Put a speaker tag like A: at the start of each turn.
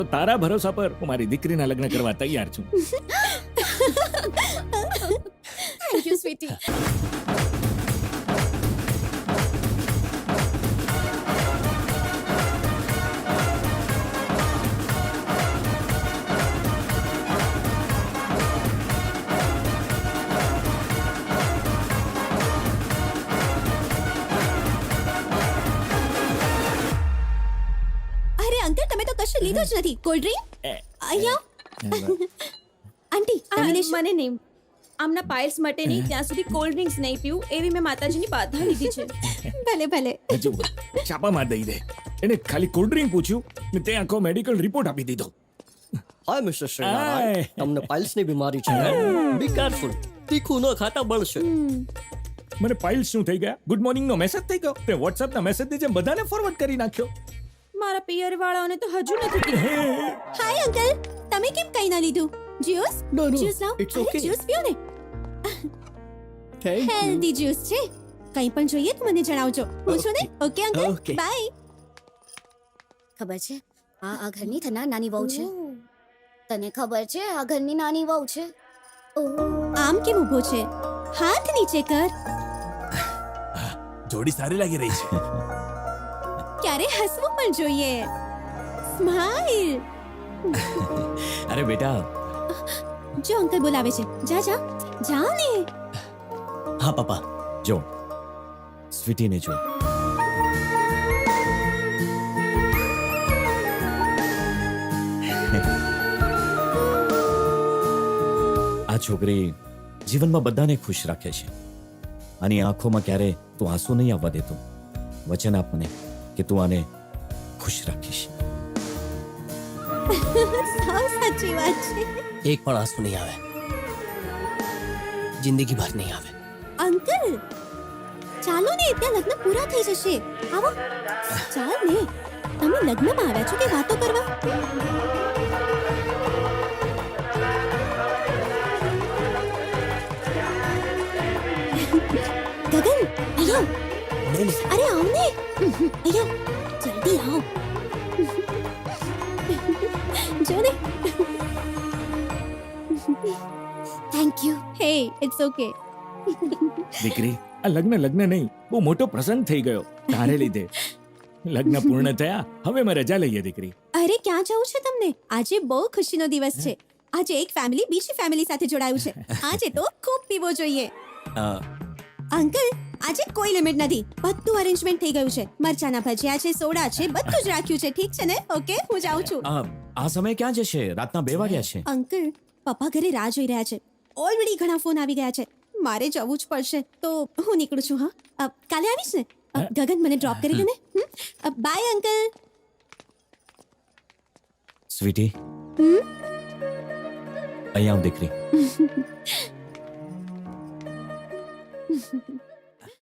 A: તો તારા ભરોસા પર હું મારી દીકરીના લગ્ન કરવા તૈયાર છું.
B: Thank you sweetie. અંકલ તમે તો કશું લીધું જ નથી. કોલ્ડ ડ્રિંક અહીંયા આંટી મને નહીં. આમના પાઇલ્સ માટે નહીં ત્યાં સુધી કોલ્ડ ડ્રિંક્સ નહીં પીવું એવી મેં માતાજીની બાધા લીધી છે. ભલે ભલે
A: હજુ છાપામાં દઈ દે. એને ખાલી કોલ્ડ ડ્રિંક પૂછ્યું ને તે આખો મેડિકલ રિપોર્ટ આપી દીધો.
C: હાય મિસ્ટર શ્રીનારાયણ, તમને પાઇલ્સની બીમારી છે. બી કેરફુલ, તીખું ન ખાતા બળશે.
A: મને પાઇલ્સ શું થઈ ગયા? ગુડ મોર્નિંગ નો મેસેજ થઈ ગયો. તે WhatsApp ના મેસેજ ની જેમ બધાને ફોરવર્ડ કરી નાખ્યો.
B: મારા પિયર વાળાઓને તો હજુ નથી કીધું. હાય અંકલ, તમે કેમ કઈ ના લીધું? જ્યુસ?
C: No,
B: જ્યુસ લાવ.
C: it's okay.
B: જ્યુસ પીઓ ને.
C: Thank you.
B: હેલ્ધી જ્યુસ છે. કંઈ પણ જોઈએ તો મને જણાવજો. પૂછો ને. Okay uncle.
C: Okay.
B: બાય.
D: ખબર છે આ ઘરની થનાર નાની વહુ છે. તને ખબર છે આ ઘરની નાની વહુ છે.
B: આમ કેમ ઊભો છે? હાથ નીચે કર.
A: જોડી સારી લાગી રહી છે.
B: ક્યારે હસવું પણ જોઈએ. સ્માઈલ.
E: અરે બેટા.
B: જો અંકલ બોલાવે છે. જા જા જાઓ ને.
E: હા પપ્પા. જો સ્વીટીને જો. આ છોકરી જીવનમાં બધાને ખુશ રાખે છે. આની આંખોમાં ક્યારે તું આંસુ નહીં આવવા દેતો. વચન આપ મને કે તું આને ખુશ રાખીશ.
B: સાવ સાચી વાત છે.
C: એક પણ આંસુ નહીં આવે, જિંદગી ભર નહીં આવે.
B: અંકલ ચાલો ને, ત્યાં લગ્ન પૂરા થઈ જશે. આવો ચાલ ને. તમે લગ્નમાં આવ્યા છો કે વાતો કરવા? ગગન અહીંયા. અરે આવ ને અહીંયા, જલ્દી આવ. જો ને.
D: Thank you.
B: Hey it's okay.
A: દીકરી, આ લગ્ન નહીં, બહુ મોટો પ્રસંગ થઈ ગયો તારે લીધે. લગ્ન પૂર્ણ થયા, હવે મેં રજા લઈએ દીકરી.
B: અરે ક્યાં જવું છે તમને? આજે બહુ ખુશીનો દિવસ છે. આજે એક ફેમિલી બીજી ફેમિલી સાથે જોડાયું છે. આજે તો ખૂબ પીવો જોઈએ. અંકલ આજે કોઈ લિમિટ નથી. બધું અરેન્જમેન્ટ થઈ ગયું છે. મરચાના ભજીયા છે, સોડા છે, બધું જ રાખ્યું છે. ઠીક છે ને? ઓકે હું જાઉં છું.
E: આ સમય ક્યાં જશે? રાતના 2 વાગ્યા છે.
B: અંકલ પપ્પા ઘરે રાહ જોઈ રહ્યા છે. ઓલરેડી ઘણા ફોન આવી ગયા છે. મારે જવું જ પડશે તો હું નીકળું છું. હા કાલે આવીશ ને? ગગન મને ડ્રોપ કરી દે ને. By uncle.
E: સ્વીટી, અહીંયા આવ દીકરી.